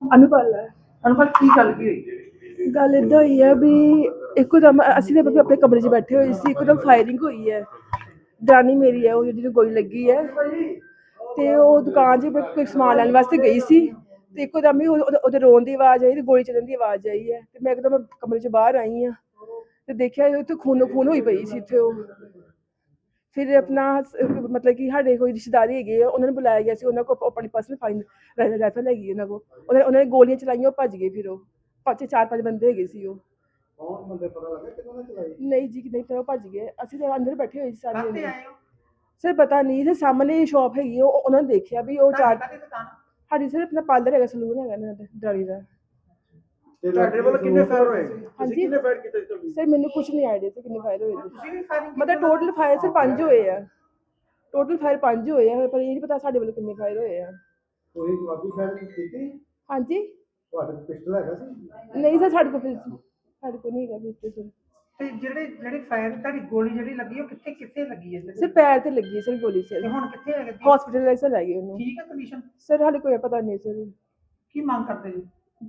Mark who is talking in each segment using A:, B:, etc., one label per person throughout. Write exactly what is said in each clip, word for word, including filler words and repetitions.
A: ਅਨੁਪਲ ਹੈ।
B: ਅਨੁਪਲ ਕੀ ਗੱਲ ਕੀ ਹੋਈ?
A: ਗੱਲ ਇੱਦਾਂ ਹੋਈ ਹੈ ਵੀ ਇੱਕੋਦਮ ਅਸੀਂ ਤਾਂ ਆਪਣੇ ਕਮਰੇ 'ਚ ਬੈਠੇ ਹੋਏ ਸੀ, ਇੱਕੋਦਮ ਫਾਇਰਿੰਗ ਹੋਈ ਹੈ। ਦਰਾਣੀ ਮੇਰੀ ਹੈ ਉਹ ਜਿਹਨੂੰ ਗੋਲੀ ਲੱਗੀ ਹੈ, ਤੇ ਉਹ ਦੁਕਾਨ 'ਚ ਕੋਈ ਸਮਾਨ ਲੈਣ ਵਾਸਤੇ ਗਈ ਸੀ, ਤੇ ਇੱਕੋਦਮ ਹੀ ਉਹਦੇ ਉਹਦੇ ਰੋਣ ਦੀ ਆਵਾਜ਼ ਆਈ ਤੇ ਗੋਲੀ ਚੱਲਣ ਦੀ ਆਵਾਜ਼ ਆਈ ਹੈ। ਤੇ ਮੈਂ ਇੱਕਦਮ ਕਮਰੇ 'ਚ ਬਾਹਰ ਆਈ ਹਾਂ ਤੇ ਦੇਖਿਆ ਉੱਥੇ ਖੂਨੋ ਖੂਨ ਹੋਈ ਪਈ ਸੀ ਇੱਥੇ। ਉਹ ਫਿਰ ਆਪਣਾ ਮਤਲਬ ਕਿ ਸਾਡੇ ਕੋਈ ਰਿਸ਼ਤੇਦਾਰੀ ਹੈਗੇ ਆ, ਉਹਨਾਂ ਨੂੰ ਬੁਲਾਇਆ ਗਿਆ ਸੀ। ਉਹਨਾਂ ਕੋਲ ਆਪਣੀ ਪਰਸਨਲ ਫਾਈਨ ਰਾਈਫਲ ਹੈਗੀ ਉਹਨਾਂ ਕੋਲ, ਉਹਨਾਂ ਉਹਨਾਂ ਨੇ ਗੋਲੀਆਂ ਚਲਾਈਆਂ, ਉਹ ਭੱਜ ਗਏ। ਫਿਰ ਉਹ ਪੰਜ ਚਾਰ ਪੰਜ ਬੰਦੇ ਹੈਗੇ ਸੀ। ਉਹ
C: ਕੌਣ ਬੰਦੇ ਪਤਾ ਲੱਗਾ ਕਿਹਨਾਂ ਨੇ ਚਲਾਈ?
A: ਨਹੀਂ ਜੀ, ਨਹੀਂ ਪਤਾ, ਉਹ ਭੱਜ ਗਏ। ਅਸੀਂ ਤਾਂ ਅੰਦਰ ਬੈਠੇ ਹੋਏ ਸੀ ਸਾਰੇ
B: ਕਾਹਤੇ
A: ਜਣੇ।
B: ਆਏ ਹੋ?
A: ਸਰ ਪਤਾ ਨਹੀਂ, ਤੇ ਸਾਹਮਣੇ ਸ਼ਾਪ ਹੈਗੀ, ਉਹ ਉਹਨਾਂ ਨੇ ਦੇਖਿਆ ਵੀ ਉਹ ਚਾਰ
B: ਕਾਹਦੀ ਦੁਕਾਨ?
A: ਸਾਡੀ ਸਰ ਆਪਣਾ ਪਾਰਲਰ ਹੈਗਾ, ਸਲੂਨ ਹੈਗਾ ਇਹਨਾਂ ਦਾ ਡਰਾਈ ਦਾ।
C: ਤੁਹਾਡੇ ਵੱਲ ਕਿੰਨੇ ਫਾਇਰ ਹੋਏ?
A: ਹਾਂਜੀ
C: ਕਿੰਨੇ ਫਾਇਰ ਕੀਤੇ ਤੁਹਾਡੇ?
A: ਸਰ ਮੈਨੂੰ ਕੁਝ ਨਹੀਂ ਆਈਡੀਆ ਸੀ ਕਿੰਨੇ ਫਾਇਰ ਹੋਏ ਨੇ।
B: ਤੁਸੀਂ ਵੀ ਫਾਇਰਿੰਗ
A: ਮਤਲਬ ਟੋਟਲ ਫਾਇਰ ਸਰ ਪੰਜ ਹੋਏ ਆ। ਟੋਟਲ ਫਾਇਰ ਪੰਜ ਹੋਏ ਆ, ਪਰ ਇਹ ਨਹੀਂ ਪਤਾ ਸਾਡੇ ਵੱਲੋਂ ਕਿੰਨੇ ਫਾਇਰ ਹੋਏ ਆ।
C: ਕੋਈ ਜਵਾਬੀ ਫਾਇਰ ਕੀਤੀ?
A: ਹਾਂਜੀ
C: ਤੁਹਾਡੇ ਕੋਲ ਪਿਸਟਲ ਹੈਗਾ ਸੀ?
A: ਨਹੀਂ ਸਰ, ਸਾਡੇ ਕੋਲ ਫਿਰ ਸਾਡੇ ਕੋਲ ਨਹੀਂ ਹੈਗਾ ਪਿਸਟਲ ਸਰ।
B: ਤੇ ਜਿਹੜੇ ਜਿਹੜੇ ਫਾਇਰ ਤੁਹਾਡੀ ਗੋਲੀ ਜਿਹੜੀ ਲੱਗੀ ਉਹ ਕਿੱਥੇ ਕਿੱਥੇ ਲੱਗੀ ਹੈ?
A: ਸਰ ਪੈਰ ਤੇ ਲੱਗੀ ਹੈ ਸਰ ਗੋਲੀ
B: ਤੇ
A: ਸਰ।
B: ਹੁਣ ਕਿੱਥੇ ਹੈ?
A: ਹਸਪੀਟਲ ਸਰ ਲੈ ਗਏ ਉਹਨੂੰ।
B: ਠੀਕ ਹੈ ਕੰਡੀਸ਼ਨ?
A: ਸਰ ਹਾਲੇ ਕੋਈ ਪਤਾ ਨਹੀਂ ਸਰ।
B: ਕੀ ਮੰਗ ਕਰਦੇ ਜੀ?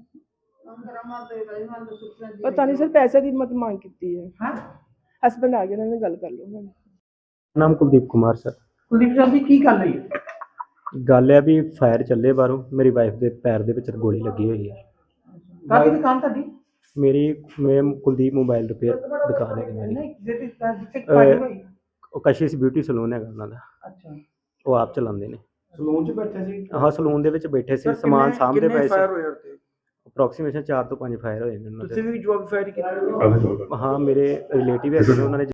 A: ਪਤਾ ਨਹੀਂ ਸਰ, ਪੈਸੇ ਦੀ ਮਤ ਮੰਗ ਕੀਤੀ ਹੈ।
B: ਹਾਂ,
A: ਹਸਬੈਂਡ ਆ ਗਏ, ਉਹਨਾਂ ਨਾਲ ਗੱਲ ਕਰ ਲਓ।
D: ਨਾਮ ਕੁਲਦੀਪ ਕੁਮਾਰ ਸਰ।
B: ਕੁਲਦੀਪ ਸਾਹਿਬ ਜੀ ਕੀ ਗੱਲ ਹੋਈ?
D: ਗੱਲ ਹੈ ਵੀ ਫਾਇਰ ਚੱਲੇ ਬਾਹਰੋਂ, ਮੇਰੀ ਵਾਈਫ ਦੇ ਪੈਰ ਦੇ ਵਿੱਚ ਗੋਲੀ ਲੱਗੀ ਹੋਈ ਹੈ।
B: ਕਾਹਦੀ ਦੁਕਾਨ ਤੁਹਾਡੀ?
D: ਮੇਰੀ ਮੈਂ ਕੁਲਦੀਪ ਮੋਬਾਈਲ ਰਿਪੇਅਰ ਦੁਕਾਨ ਹੈ ਮੇਰੀ।
B: ਨਹੀਂ ਜਿਹੜੀ ਜਿੱਥੇ ਫਾਇਰ ਹੋਈ।
D: ਉਹ ਕਸ਼ਿਸ਼ ਬਿਊਟੀ ਸਲੂਨ ਹੈਗਾ ਉਹਨਾਂ ਦਾ,
B: ਅੱਛਾ,
D: ਉਹ ਆਪ ਚਲਾਉਂਦੇ ਨੇ।
C: ਸਲੂਨ 'ਚ ਬੈਠੇ ਸੀ?
D: ਹਾਂ, ਸਲੂਨ ਦੇ ਵਿੱਚ ਬੈਠੇ ਸੀ, ਸਮਾਨ ਸਾਂਭਦੇ ਪਏ ਸੀ।
C: ਫਾਇਰ ਹੋਏ ਉੱਤੇ?
D: ਅਪਰੋਕਸੀਮੇਸ਼ਨ ਚਾਰ ਤੋਂ ਪੰਜ ਫਾਇਰ ਹੋਏ ਨੇ ਉਹਨਾਂ
C: ਤੁਸੀਂ
D: ਦੇ।
C: ਵੀ ਜਵਾਬੀ ਫਾਇਰ ਕੀਤਾ?
D: ਹਾਂ, ਮੇਰੇ ਰਿਲੇਟਿਵ ਹੈਗੇ ਨੇ, ਉਹਨਾਂ ਨੇ